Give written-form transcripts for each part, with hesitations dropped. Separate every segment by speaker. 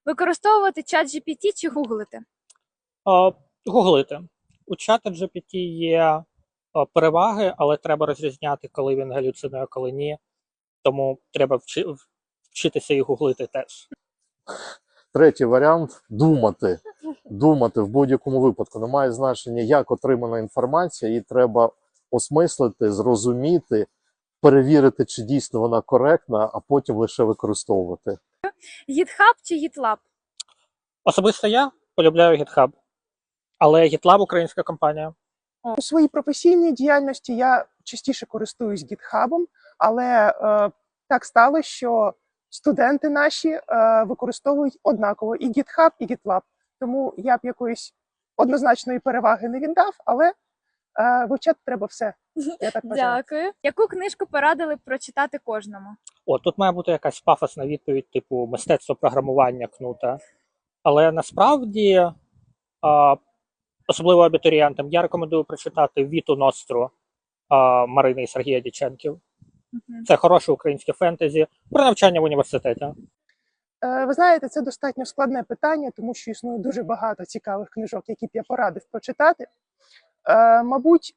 Speaker 1: Використовувати чат GPT чи гуглити?
Speaker 2: Гуглити. У чата GPT є переваги, але треба розрізняти, коли він галюцинує, коли ні. Тому треба вчитися і гуглити теж.
Speaker 3: Третій варіант – думати. Думати в будь-якому випадку. Немає значення, як отримана інформація, її треба осмислити, зрозуміти, перевірити, чи дійсно вона коректна, а потім лише використовувати.
Speaker 1: GitHub чи GitLab?
Speaker 2: Особисто я полюбляю GitHub, але GitLab – українська компанія.
Speaker 4: У своїй професійній діяльності я частіше користуюсь GitHub, але так сталося, що студенти наші використовують однаково і GitHub, і GitLab. Тому я б якоїсь однозначної переваги не віддав, але вивчати треба все. Я так вважаю.
Speaker 1: Дякую. Яку книжку порадили б прочитати кожному?
Speaker 2: Тут має бути якась пафосна відповідь, типу «Мистецтво програмування» Кнута. Але насправді, особливо абітурієнтам, я рекомендую прочитати «Віту Ностру» Марини і Сергія Дяченків. Це хороше українське фентезі про навчання в університеті.
Speaker 4: Ви знаєте, це достатньо складне питання, тому що існує дуже багато цікавих книжок, які б я порадив прочитати. Мабуть,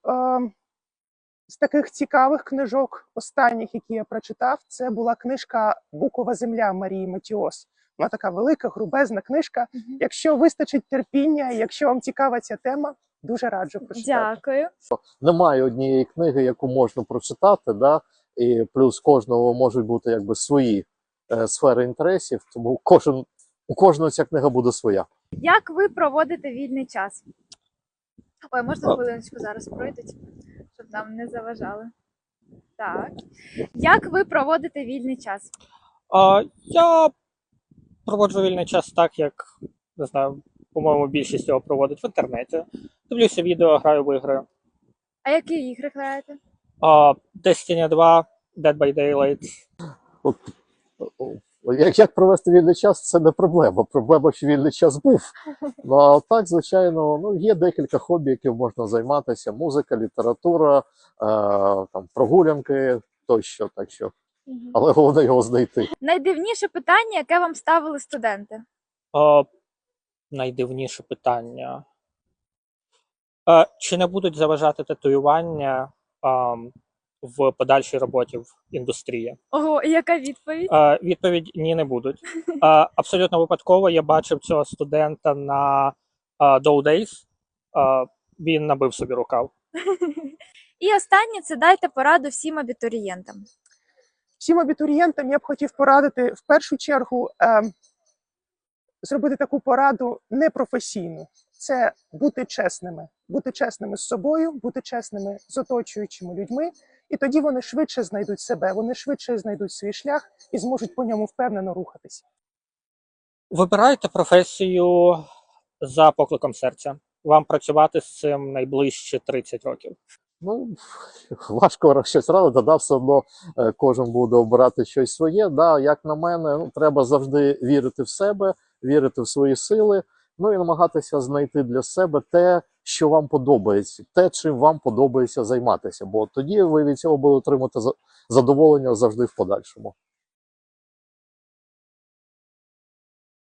Speaker 4: з таких цікавих книжок, останніх, які я прочитав, це була книжка «Букова земля» Марії Матіос. Вона така велика, грубезна книжка. Якщо вистачить терпіння, якщо вам цікава ця тема, дуже раджу прочитати.
Speaker 1: Дякую.
Speaker 3: Немає однієї книги, яку можна прочитати, да? І плюс кожного можуть бути якби свої сфери інтересів, тому у кожного ця книга буде своя.
Speaker 1: Як ви проводите вільний час? Ой, можна хвилиночку зараз пройдуть, щоб нам не заважали. Так. Як ви проводите вільний час?
Speaker 2: Я проводжу вільний час так, як, не знаю, по-моєму, більшість його проводить в інтернеті. Дивлюся відео, граю в ігри.
Speaker 1: А які ігри граєте?
Speaker 2: Destiny 2, Dead by Daylight.
Speaker 3: Як провести вільний час, це не проблема. Проблема, що вільний час був. Ну, а так, звичайно, є декілька хобі, яким можна займатися. Музика, література, там, прогулянки тощо. Так що. Але головне його знайти.
Speaker 1: Найдивніше питання, яке вам ставили студенти?
Speaker 2: Найдивніше питання. Чи не будуть заважати татуювання в подальшій роботі в індустрії?
Speaker 1: Ого, і яка відповідь?
Speaker 2: Відповідь – ні, не будуть. Абсолютно випадково я бачив цього студента на Dow Days. Він набив собі рукав.
Speaker 1: І останнє – це дайте пораду всім абітурієнтам.
Speaker 4: Всім абітурієнтам я б хотів порадити, в першу чергу, зробити таку пораду непрофесійну. Це бути чесними з собою, бути чесними з оточуючими людьми, і тоді вони швидше знайдуть себе, вони швидше знайдуть свій шлях і зможуть по ньому впевнено рухатися.
Speaker 2: Вибирайте професію за покликом серця. Вам працювати з цим найближче 30 років.
Speaker 3: Важко щось радити, да, все одно кожен буде обирати щось своє. Да, як на мене, треба завжди вірити в себе, вірити в свої сили, і намагатися знайти для себе те, що вам подобається, те, чим вам подобається займатися, бо тоді ви від цього будете отримати задоволення завжди в подальшому.